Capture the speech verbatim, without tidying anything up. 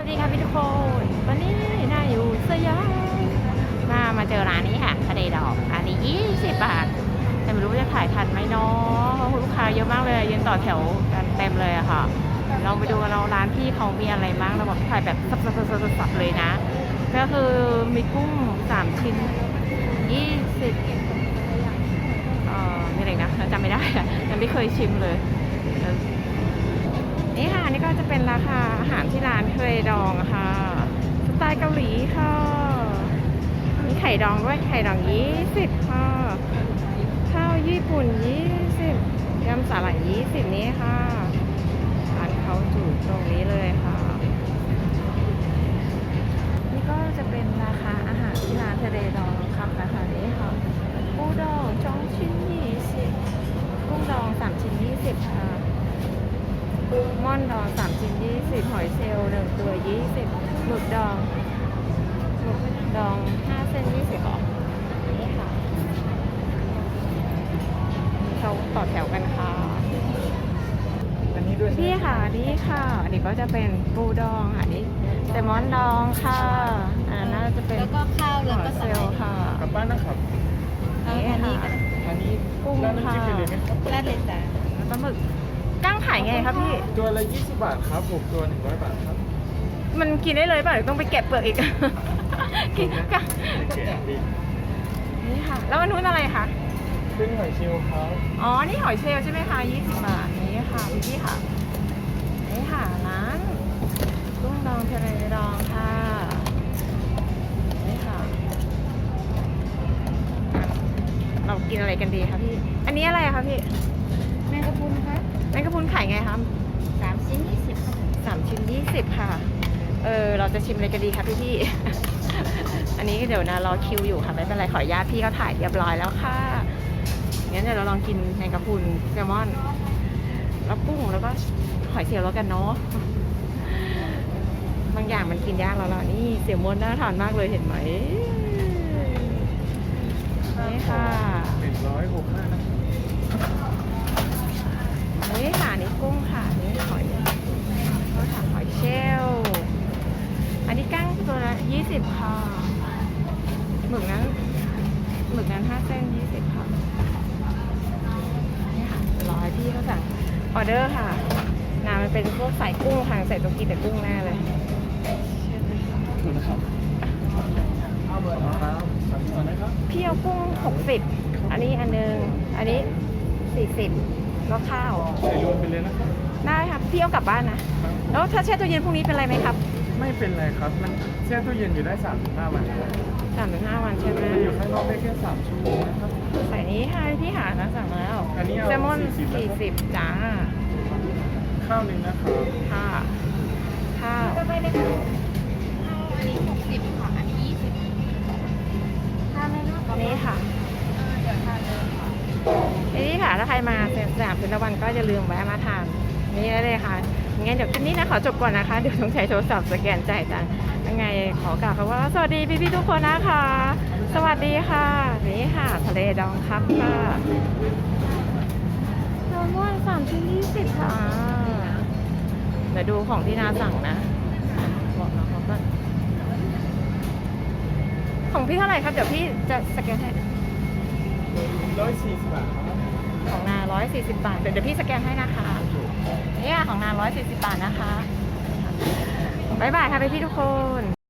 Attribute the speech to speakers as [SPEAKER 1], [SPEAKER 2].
[SPEAKER 1] สวัสดีค่ะพี่ทุกคนวันนี้น่าอยู่สยามมามาเจอร้านนี้ค่ะทะเลดอกอันนี้ยี่สิบบาทแต่ไม่รู้ว่าจะถ่ายทันไหมเนาะเพราะลูกค้าเยอะมากเลยยืนต่อแถวกันเต็มเลยอะค่ะเราไปดูกันเราร้านพี่เขามีอะไรบ้างเราบอกถ่ายแบบสับๆๆๆเลยนะก็คือมีกุ้งสามชิ้นยี่สิบเอ่อมีอะไรนะจำไม่ได้อะยังไม่เคยชิมเลยนี่ค่ะนี่ก็จะเป็นราคาอาหารที่ร้านทะเลดองค่ะสไตล์เกาหลีค่ะมีไข่ดองด้วยไข่ดองยี่สิบค่ะข้าวญี่ปุ่นยี่สิบยำสาหร่ายยี่สิบนี้ค่ะร้านเขาอยู่ตรงนี้เลยค่ะนี่ก็จะเป็นราคาอาหารที่ร้านทะเลดองครับนะคะนี้ค่ะปูดองสองชิ้นยี่สิบกุ้งดองสามชิ้นยี่สิบค่ะม่อนดองสามชิ้นยี่สิบหอยเชลล์หนึ่งตัวยี่สิบหมึกดองหมึกดองห้าเส้นยี่สิบหรอนี่ค่ะเขาต่อแถวกันค่ะ
[SPEAKER 2] อันนี้ด้วย
[SPEAKER 1] พี่ค่ะนี่ค่ะอันนี้ก็จะเป็นปูดองอันนี้แซลมอนดองค่ะอันนั้นน่าจะเป็น
[SPEAKER 3] แล้วก็ข้าวแล้วก็
[SPEAKER 1] เซ
[SPEAKER 3] ส
[SPEAKER 1] ล
[SPEAKER 3] ไลด์
[SPEAKER 1] ค่ะ
[SPEAKER 2] กลับบ้านนะครับ
[SPEAKER 1] นี่ค่ะ
[SPEAKER 2] อันนี้
[SPEAKER 1] กุ้ง
[SPEAKER 2] ร้านน้ำจิ้ม
[SPEAKER 1] ค่ะ
[SPEAKER 2] ไปเลยไหมครับ
[SPEAKER 3] ราดเลยจ้ะ
[SPEAKER 1] แล้วปลาหมึกกั้งขายไงครับพี่
[SPEAKER 2] ตัวละยี่สิบบาทครับผมตัวหนึ่งร้อยบาทครับ
[SPEAKER 1] มันกินได้เลยป่ะหรือต้องไปแกะเปลือกอีก กินกั้ง
[SPEAKER 2] แกะดี
[SPEAKER 1] นี่ค่ะ แล้วอันนู้นอะไรคะ
[SPEAKER 2] เป็นหอยเชลล์ครับ
[SPEAKER 1] อ๋อ นี่หอยเชลล์ใช่ไหมคะยี่สิบบาทนี่ค่ะพี่พี่ค่ะนี่ค่ะร้านกุ้งดองทะเลดองค่ะนี่ค่ะเรากินอะไรกันดีคะพี่ อันนี้อะไรคะพี่
[SPEAKER 3] แมงกะพรุนครับ
[SPEAKER 1] แมงกะพรุนขายไงคะ
[SPEAKER 3] สามชิ้นยี่สิบครับ
[SPEAKER 1] สามชิ้นยี่สิบค่ะ เออเราจะชิมอะไรกันดีคะพี่พี่ อันนี้เดี๋ยวนะรอคิวอยู่ค่ะไม่เป็นไรขออนุญาตพี่เขาถ่ายเรียบร้อยแล้วค่ะงั้นเดี๋ยวเราลองกินแมงกะพรุนแซลมอนแล้วกุ้งแล้วก็หอยเชลล์แล้วกันเนาะบางอย่างมันกินยากแล้วล่ะนี่เสี่ยวม้วนน่าทานมากเลยเห็นไหมนี่ค่ะ
[SPEAKER 2] หนึ่งร้อยหกห้านะ
[SPEAKER 1] นี่ค่ะนี่กุ้งค่ะนี่หอยก็ถามหอยเชลล์อันนี้กั้งตัวละยี่สิบค่ะหมึกนั้นหมึกนั้นห้าเส้นยี่สิบค่ะนี่ค่ะรอให้พี่เขาสั่งออเดอร์ค่ะนามันเป็นพวกใส่กุ้งค่ะใส่ตรงกีแต่กุ้งแน่เลย
[SPEAKER 2] ถูกนะครับเอาเบอร์ครับสั่งก่อนนะครับ
[SPEAKER 1] พี่เอากุ้งหกสิบอันนี้อันนึงอันนี้สี่สิบแล้วข้าว
[SPEAKER 2] ใส่รวมไปเลยนะครับ
[SPEAKER 1] ได้ค่ะพี่เอากลับบ้านนะแล้วถ้าแช่ตู้เย็นพรุ่งนี้เป็นไรไหมครับ
[SPEAKER 2] ไม่เป็นไรครับ มันแช่ตู้เย็นอยู่ได้สามถึงห้าวันครับ
[SPEAKER 1] สามถึงห้าวันใช่ไหม
[SPEAKER 2] มันอยู่ข้างนอกได้แค่สามชั่วโมงนะครับ
[SPEAKER 1] ใส่นี้ค่ะพี่หานะสั่งแล้ว
[SPEAKER 2] อันนี้เอา
[SPEAKER 1] แซลมอน
[SPEAKER 2] สี่
[SPEAKER 1] สี่
[SPEAKER 2] สิ
[SPEAKER 1] สิบบ จ้า
[SPEAKER 2] ข้าวหนึ่งนะครับ
[SPEAKER 1] ค่ะข้าว
[SPEAKER 3] ต่อไปเลยค่ะข้าวอันนี้หกสิบค่ะ อันนี้ยี่สิบทานเลยนะ
[SPEAKER 1] นี่ค่ะ
[SPEAKER 3] เออเดี๋ยวทานเลยค่ะ
[SPEAKER 1] นี่ค่ะถ้าใครมาสยามพินวันก็อย่าลืมแวะมาทานนี่ได้เลยค่ะงั้นเดี๋ยวคลิปนี้นะขอจบก่อนนะคะเดี๋ยวต้องใช้โทรศัพท์สแกนจ่ายตังค์ยังไงขอกล่าวคำว่าสวัสดีพี่ๆทุกคนนะคะ สวัสดีค่ะนี่ค่ะทะเลดองครับค่ะแซลมอนสามชิ้นยี่สิบค่ะเดี๋ยวดูของที่นาสั่งนะบอกน้องเขาก่อนของพี่เท่าไหร่ครับเดี๋ยวพี่จะสแกนให้
[SPEAKER 2] ร้อยสี่สิบบาทครับ
[SPEAKER 1] ของนาร้อยสี่สิบบาทเดี๋ยวเดี๋ยวพี่สแกนให้นะคะเนี่ยของนาร้อยสี่สิบบาทนะคะบ๊ายบายค่ะพี่ๆทุกคน